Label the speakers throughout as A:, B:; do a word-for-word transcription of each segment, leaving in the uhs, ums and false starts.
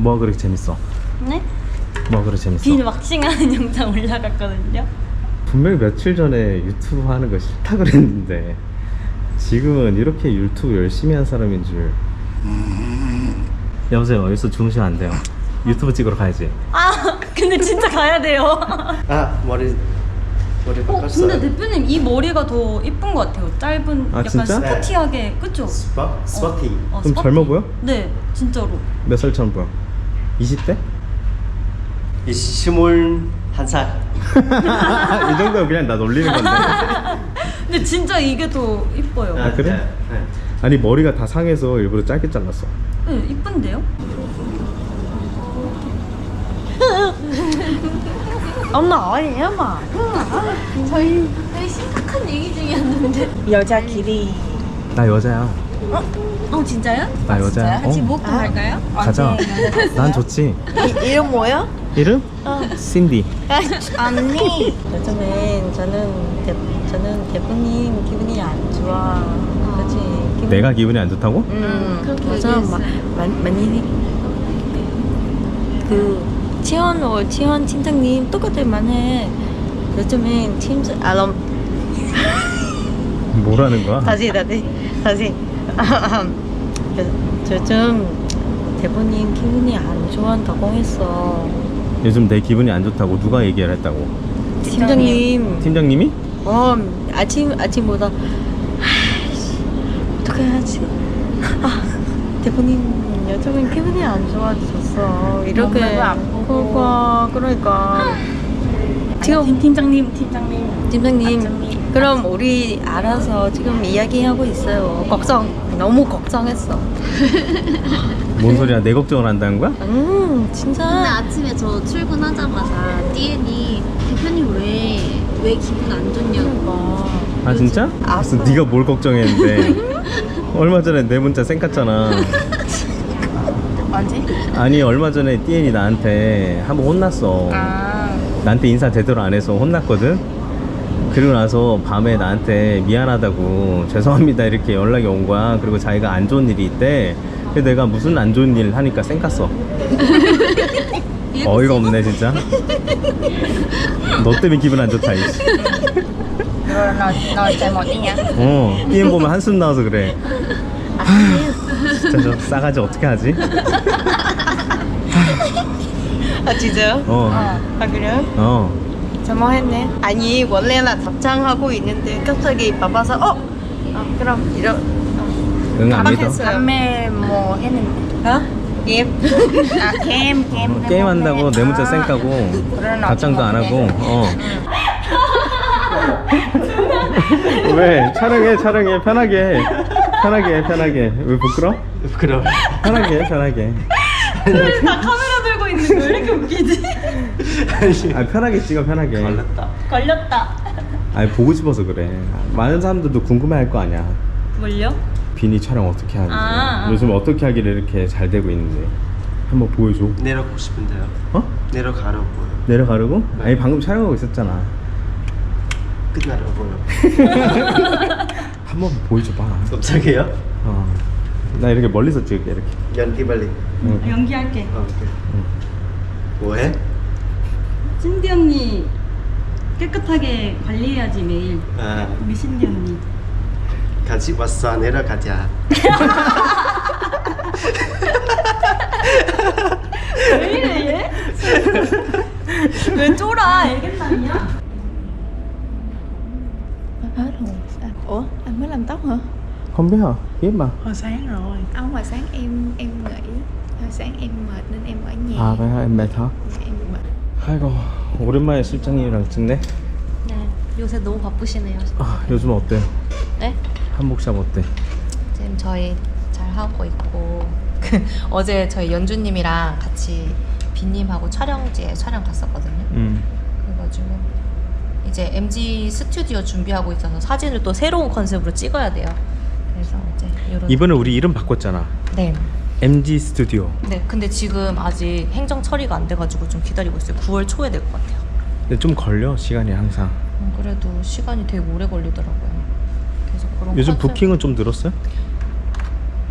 A: 뭐가 그렇게 재밌어?
B: 네?
A: 뭐가 그렇게 재밌어?
B: 빈 왁싱하는 영상 올라갔거든요.
A: 분명히 며칠 전에 유튜브 하는 거 싫다 그랬는데 지금은 이렇게 유튜브 열심히 한 사람인 줄. 여보세요, 여기서 주무시면 안 돼요. 유튜브 찍으러 가야지.
B: 아 근데 진짜 가야 돼요.
C: 아 머리 머리
B: 어
C: 바꿨어요.
B: 근데 대표님 이 머리가 더 이쁜 것 같아요. 짧은
A: 아,
B: 약간
A: 진짜?
B: 스포티하게 그쵸?
C: 스파 스파티.
B: 어,
A: 좀
B: 스포티.
A: 젊어 보여?
B: 네 진짜로.
A: 몇 살처럼 보여? 이십 대?
C: 스물한 살.
A: 이 정도면 그냥 나 놀리는 건데.
B: 근데 진짜 이게 더 이뻐요.
A: 아, 그래?
C: 네, 네.
A: 아니 머리가 다 상해서 일부러 짧게 잘랐어.
B: 네 이쁜데요?
D: Ông nội vậy mà.
B: 저희 되게 심각한 얘기 중이었는데.
D: 여자끼리.
A: 나 여자야.
B: 어 진짜요?
A: 나 여자야.
B: 같이
A: 어.
B: 목욕 갈까요?
A: 가자. 난 좋지.
D: 이, 이름 뭐야?
A: 이름? 신디.
D: 언니. 요즘엔 저는 대, 저는 대표님 기분이 안 좋아. 그렇지. 기분...
A: 내가 기분이 안 좋다고?
D: 음.
B: 그렇게
D: 그래서
B: 얘기했어요.
D: 마, 마, 많이 그 치원 어 치원 팀장님 똑같을만 해. 요즘엔 팀 아럼
A: 뭐라는 거야?
D: 다시 다시 다시. 요즘 대표님 기분이 안 좋아한다고 했어.
A: 요즘 내 기분이 안 좋다고 누가 얘기를 했다고?
D: 팀장님.
A: 팀장님이?
D: 어 아침 아침보다 아이씨 어떻게 해야지. 아 대표님 요즘은 기분이 안 좋아졌어. 이렇게 그러니까 그러니까 지금
B: 팀, 팀장님 팀장님
D: 팀장님 그럼 우리 알아서 지금 이야기하고 있어요. 걱정 너무 걱정했어.
A: 뭔 소리야? 내 걱정을 한다는 거야?
D: 음 진짜.
E: 근데 아침에 저 출근하자마자 디엔이 대표님 왜, 왜 기분 안 좋냐고.
A: 아 진짜?
D: 알았어.
A: 무슨 네가 뭘 걱정했는데? 얼마 전에 내 문자 쌩깠잖아.
D: 언제?
A: 아니 얼마 전에 띠엔이 나한테 한번 혼났어.
D: 아
A: 나한테 인사 제대로 안 해서 혼났거든. 그리고 나서 밤에 나한테 미안하다고 죄송합니다 이렇게 연락이 온 거야. 그리고 자기가 안 좋은 일이 있대. 그래서 내가 무슨 안 좋은 일 하니까 쌩깠어. 어이가 없네 진짜. 너 때문에 기분 안 좋다 이씨.
D: rồi nói nói chạy một đi nha.
A: 어 띠엔 보면 한숨 나와서 그래. 진짜 저 싸가지 어떻게 하지?
D: 아 진짜요?
A: 어.
D: 아 그래요?
A: 어.
D: 잘못했네. 아니 원래는 답장하고 있는데 갑자기 바빠서 어? 아, 그럼 이러
A: 응 안 믿어?
D: 판매 뭐 했는데 어? 게임? 아 게임 게임
A: 어, 게임 한다고 내 문자 쌩까고 답장도 안 하고. 어. 왜? 촬영해 촬영해 편하게 해. 편하게 해 편하게. 왜 부끄러?
C: 부끄러워.
A: 편하게 해 편하게.
B: 다 카메라 들고 있는 거 왜 이렇게 웃기지?
A: 아 편하게 찍어 편하게.
C: 걸렸다.
B: 걸렸다.
A: 아니 보고 싶어서 그래. 많은 사람들도 궁금해할 거 아니야.
B: 뭘요?
A: 비니 촬영 어떻게 하는지.
B: 아, 아.
A: 요즘 어떻게 하길래 이렇게 잘 되고 있는데 한번 보여줘.
C: 내려가고 싶은데요.
A: 어?
C: 내려가려고요.
A: 내려가려고? 아니 방금 촬영하고 있었잖아.
C: 끝나려고요.
A: 한번 보여줘봐.
C: 갑자기요?
A: 어. 나 이렇게 멀리서 찍을게 이렇게.
C: 연기 빨리.
A: 응.
B: 연기할게.
C: 어, 오케이. 뭐해?
B: 신디 언니 깨끗하게 관리해야지 매일.
C: 아
B: 우리 신디 언니.
C: 같이 왔어. 내려가자.
B: 왜 이래 얘? 왜 쫄아? 알겠나냐?
D: hết rồi. Ủa anh mới làm tóc hả?
A: Không biết hả? Biết mà.
D: Hồi sáng rồi.
F: Ông hồi sáng em em nghỉ, hồi sáng em mệt nên em ở nhà.
A: 아, vậy hả? Em mệt hả?
F: Em mệt.
A: 아이고, 오랜만에 실장님이랑 찍네.
B: 네. 요새 너무 바쁘시네요.
A: 아, 요즘 어때?
B: 네?
A: 한복샵 어때?
B: 지금 저희 잘 하고 있고 그 어제 저희 연주님이랑 같이 빈님하고 촬영지에 촬영 갔었거든요.
A: 음.
B: 그래가지고 이제 엠지 스튜디오 준비하고 있어서 사진을 또 새로운 컨셉으로 찍어야 돼요. 그래서 이제 이런.
A: 이번에 우리 이름 바꿨잖아.
B: 네.
A: 엠지 스튜디오.
B: 네. 근데 지금 아직 행정 처리가 안 돼가지고 좀 기다리고 있어요. 구월 초에 될 것 같아요.
A: 근데 좀 걸려 시간이 항상.
B: 음, 그래도 시간이 되게 오래 걸리더라고요. 그래서 그런
A: 요즘
B: 컨셉-
A: 부킹은 좀 늘었어요?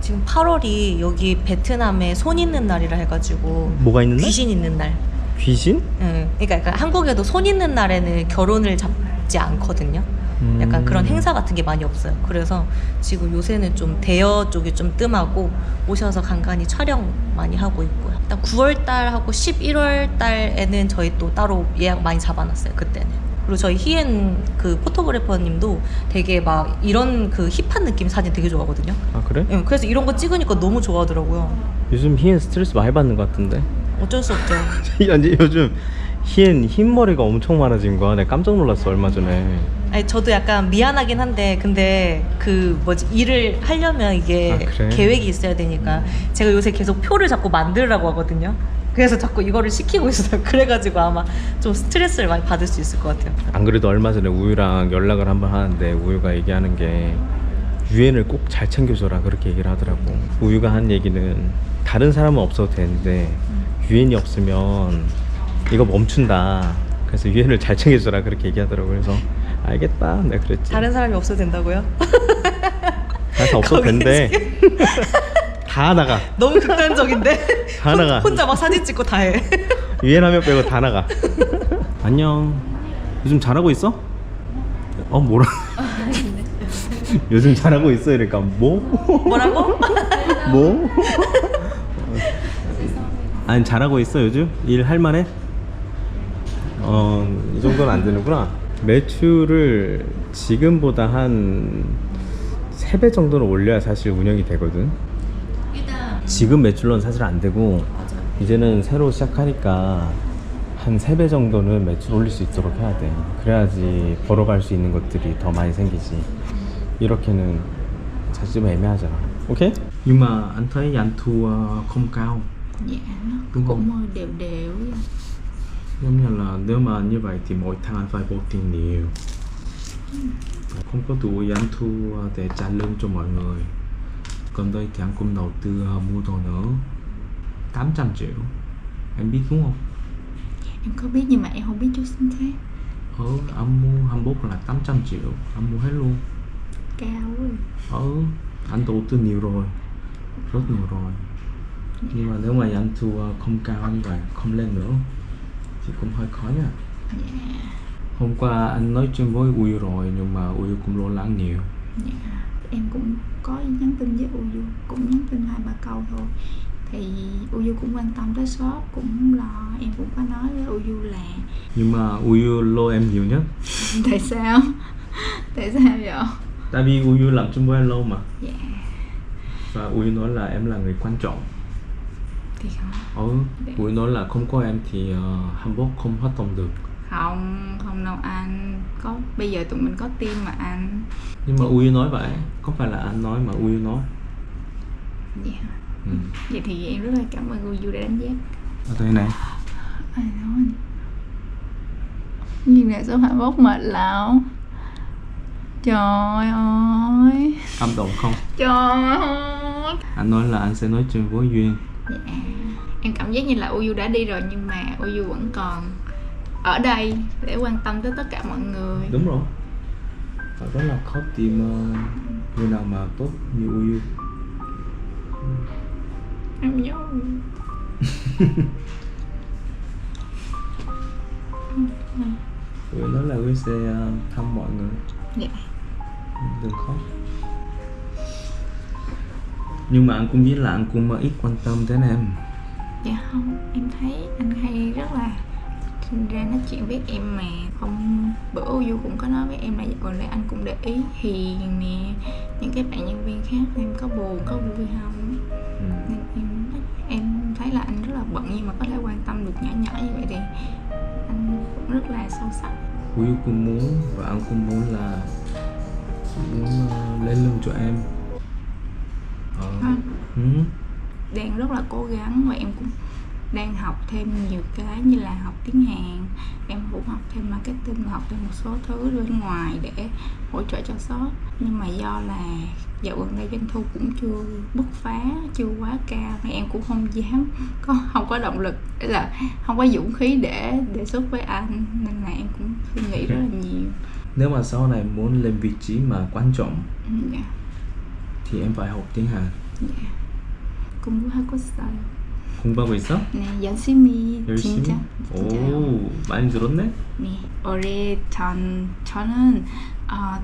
B: 지금 팔월이 여기 베트남에 손 있는 날이라 해가지고
A: 뭐가 있는 날?
B: 귀신 있는 날.
A: 귀신?
B: 응. 그러니까 약간 한국에도 손 있는 날에는 결혼을 잡지 않거든요.
A: 음.
B: 약간 그런 행사 같은 게 많이 없어요. 그래서 지금 요새는 좀 대여 쪽이 좀 뜸하고 오셔서 간간히 촬영 많이 하고 있고요. 일단 구월 달하고 십일월 달에는 저희 또 따로 예약 많이 잡아놨어요. 그때는. 그리고 저희 희엔 그 포토그래퍼님도 되게 막 이런 그 힙한 느낌 사진 되게 좋아하거든요.
A: 아 그래?
B: 응, 그래서 이런 거 찍으니까 너무 좋아하더라고요.
A: 요즘 희엔 스트레스 많이 받는 것 같은데.
B: 어쩔 수 없죠.
A: 아니 요즘 희엔 흰머리가 엄청 많아진 거야. 내가 깜짝 놀랐어 얼마 전에.
B: 아니 저도 약간 미안하긴 한데 근데 그 뭐지 일을 하려면 이게
A: 아, 그래?
B: 계획이 있어야 되니까 제가 요새 계속 표를 자꾸 만들라고 하거든요. 그래서 자꾸 이거를 시키고 있어요. 그래가지고 아마 좀 스트레스를 많이 받을 수 있을 것 같아요.
A: 안 그래도 얼마 전에 우유랑 연락을 한번 하는데 우유가 얘기하는 게 유엔을 꼭 잘 챙겨줘라 그렇게 얘기를 하더라고. 우유가 한 얘기는 다른 사람은 없어도 되는데 유엔이 없으면 이거 멈춘다. 그래서 유엔을 잘 챙겨줘라 그렇게 얘기하더라고. 그래서 알겠다 내가 그랬지.
B: 다른 사람이 없어도 된다고요?
A: 다른 사람 없어도
B: 거기
A: 된대. 다 나가.
B: 너무 극단적인데?
A: 다
B: 혼-
A: 나가.
B: 혼자 막 사진 찍고 다 해.
A: 유엔 하면 빼고 다 나가. 안녕. 요즘 잘하고 있어? 어 뭐라? 요즘 잘하고 있어 이러니까 뭐?
B: 뭐라고?
A: 뭐? 아니 잘하고 있어 요즘? 일 할만해? 어, 이 정도는 안 되는구나. 매출을 지금보다 한 세 배 정도는 올려야 사실 운영이 되거든. 지금 매출로는 사실 안 되고 이제는 새로 시작하니까 한 세 배 정도는 매출 올릴 수 있도록 해야 돼. 그래야지 벌어갈 수 있는 것들이 더 많이 생기지. 이렇게는 사실 좀 애매하잖아. 오케이? Nhưng mà anh thấy doanh thu không cao.
F: Dạ nó
A: Đúng không?
F: cũng đều đều á.
A: Giống như là nếu mà như vậy thì mỗi tháng anh phải bỏ tiền nhiều. Không có đủ doanh thu để trả lương cho mọi người. Còn đây thì anh cũng đầu tư mua đồ nữa tám trăm triệu. Em biết đúng không?
F: Em có biết nhưng mà em không biết chút chính xác.
A: Ờ, anh mua hai mươi mốt là tám trăm triệu. Anh mua hết luôn.
F: Cao quá.
A: Ờ, anh đầu tư nhiều rồi. Rất nhiều rồi. Nhưng mà nếu mà doanh thu không cao như vậy, không lên nữa thì cũng hơi khó nha.
F: Dạ.
A: Hôm qua anh nói chuyện với Uy rồi nhưng mà Uy cũng lo lắng nhiều.
F: Dạ. Em cũng có nhắn tin với Uyu, cũng nhắn tin hai ba câu thôi. Thì Uyu cũng quan tâm tới shop, cũng lo. Em cũng có nói với Uyu là
A: Nhưng mà Uy lo em nhiều nhất.
F: tại sao? Tại sao vậy?
A: Tại vì Uy làm chung với anh lâu mà.
F: Dạ.
A: Và Uy nói là em là người quan trọng.
F: Thì không.
A: Ừ, Uy nói là không có em thì uh, Hamburg không hoạt động được.
F: Không, không đâu anh. Có bây giờ tụi mình có team mà anh.
A: Nhưng mà Uy nói vậy, không phải là anh nói mà Uy nói.
F: Dạ.
A: Ừ.
F: Vậy thì em rất là cảm ơn Uyu đã đánh giá.
A: Ở đây này.
F: Ai nói nhìn lại số hai mươi mốt mệt lão. Trời ơi.
A: Cảm động không?
F: Trời ơi.
A: Anh nói là anh sẽ nói chuyện với Duyên.
F: Dạ. Em cảm giác như là Uyu đã đi rồi nhưng mà Uyu vẫn còn ở đây để quan tâm tới tất cả mọi người.
A: Đúng rồi. Và rất là khó tìm uh, người nào mà tốt như Uy.
F: Em nhớ.
A: Uy nói là Uy sẽ uh, thăm mọi người.
F: Dạ.
A: Đừng khóc. Nhưng mà anh cũng biết là anh cũng ít quan tâm đến em.
F: Dạ không, em thấy anh hay rất là ra nói chuyện với em mà. Hôm bữa Uyu cũng có nói với em là còn lại anh cũng để ý Hiền nè, những cái bạn nhân viên khác em có buồn có vui không.
A: Ừ.
F: Nên em em thấy là anh rất là bận nhưng mà có thể quan tâm được nhỏ nhỏ như vậy thì anh cũng rất là sâu sắc.
A: Uy cũng muốn và anh cũng muốn là muốn uh, lấy lưng cho em. Ờ.
F: Anh
A: Ừ.
F: đang rất là cố gắng và em cũng đang học thêm nhiều cái như là học tiếng Hàn, em cũng học thêm marketing và học thêm một số thứ bên ngoài để hỗ trợ cho shop. Nhưng mà do là dạo gần đây doanh thu cũng chưa bứt phá, chưa quá cao thì em cũng không dám, có không có động lực, để là không có dũng khí để đề xuất với anh, nên là em cũng suy nghĩ rất là nhiều.
A: Nếu mà sau này muốn lên vị trí mà quan trọng
F: Ừ, dạ.
A: thì em phải học tiếng Hàn.
F: 네. 공부하고 있어요.
A: 공부하고 있어?
F: 네, 열심히,
A: 열심히?
F: 진짜 진짜요.
A: 오, 많이 늘었네?
F: 네, 올해 전 저는 어,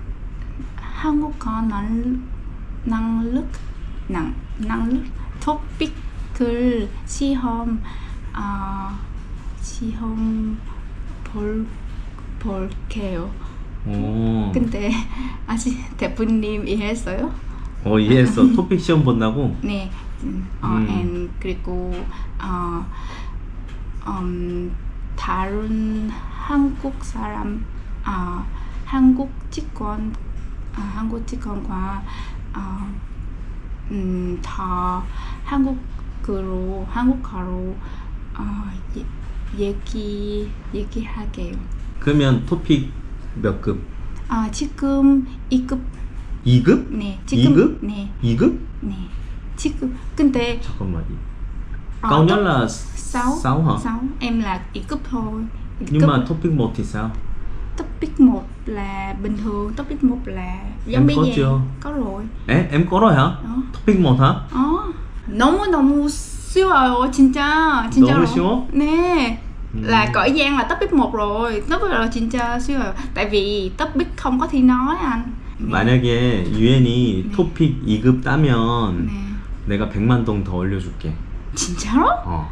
F: 한국어 능, 능력 능, 능력 토픽을 시험 어, 시험 볼 볼게요.
A: 오,
F: 근데 아직 대표님 이해했어요?
A: 어 이해했어. 토픽 시험 본다고?
F: 네, 음, 어,
A: 음.
F: and 그리고 어, 음, 다른 한국 사람, 어, 한국 직원, 어, 한국 직원과 어, 음, 더 한국어로 한국어로 어, 예, 얘기 얘기하게요.
A: 그러면 토픽 몇 급?
F: 아 지금 이 급.
A: 이 급?
F: 네, 지금
A: 이 급?
F: 네,
A: 이 급?
F: 네. 지금 근데
A: 잠깐만.
F: Ờ,
A: Cao nhất
F: top
A: là
F: sáu
A: sáu hả?
F: sáu em là ít cấp thôi. Ít
A: Nhưng
F: cấp.
A: mà topic một thì sao?
F: Topic một là bình thường, topic một là giống
A: Em
F: bé
A: có
F: giang.
A: chưa?
F: Có rồi.
A: 에? em có rồi hả?
F: Đó.
A: 토픽 một hả?
F: 어. 너무 너무 쉬워요, 진짜. 진짜로.
A: 너무 쉬워?
F: 네.
A: 음.
F: Là cõi giang là topic một rồi. Topic là 진짜 쉬워요. Tại vì topic không có thi nói anh. 네.
A: 만약에 유엔이
F: 네.
A: 토픽 이 급 따면
F: 네.
A: 내가 백만 동 더 올려줄게.
F: 진짜로?
A: 어.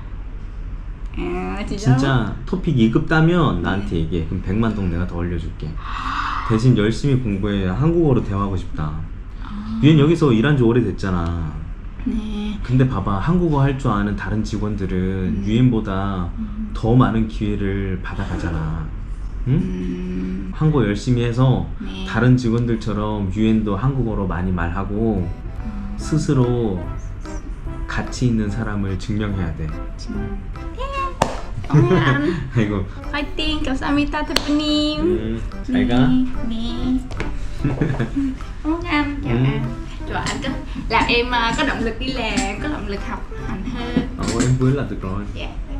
F: 아, 진짜로?
A: 진짜 토픽 이 급 따면 나한테 얘기해. 그럼 백만 동 내가 더 올려줄게. 대신 열심히 공부해. 한국어로 대화하고 싶다. 유엔 여기서 일한 지 오래됐잖아.
F: 네.
A: 근데 봐봐, 한국어 할 줄 아는 다른 직원들은 유엔보다 더 많은 기회를 받아가잖아. 응?
F: 음.
A: 한국어 열심히 해서
F: 네.
A: 다른 직원들처럼 유엔도 한국어로 많이 말하고 스스로 가치 있는 사람을 증명해야 돼.
F: Cảm ơn anh.
A: 아이고,
F: Fighting, 감사합니다 대표님.
A: 음, 잘 가.
F: Nè. Cảm ơn anh, chào
A: Ừ.
F: anh. Rồi anh có làm em à, có động lực đi làm, có động lực học hành hơn.
A: Ồ, em vui là được rồi.
F: Dạ.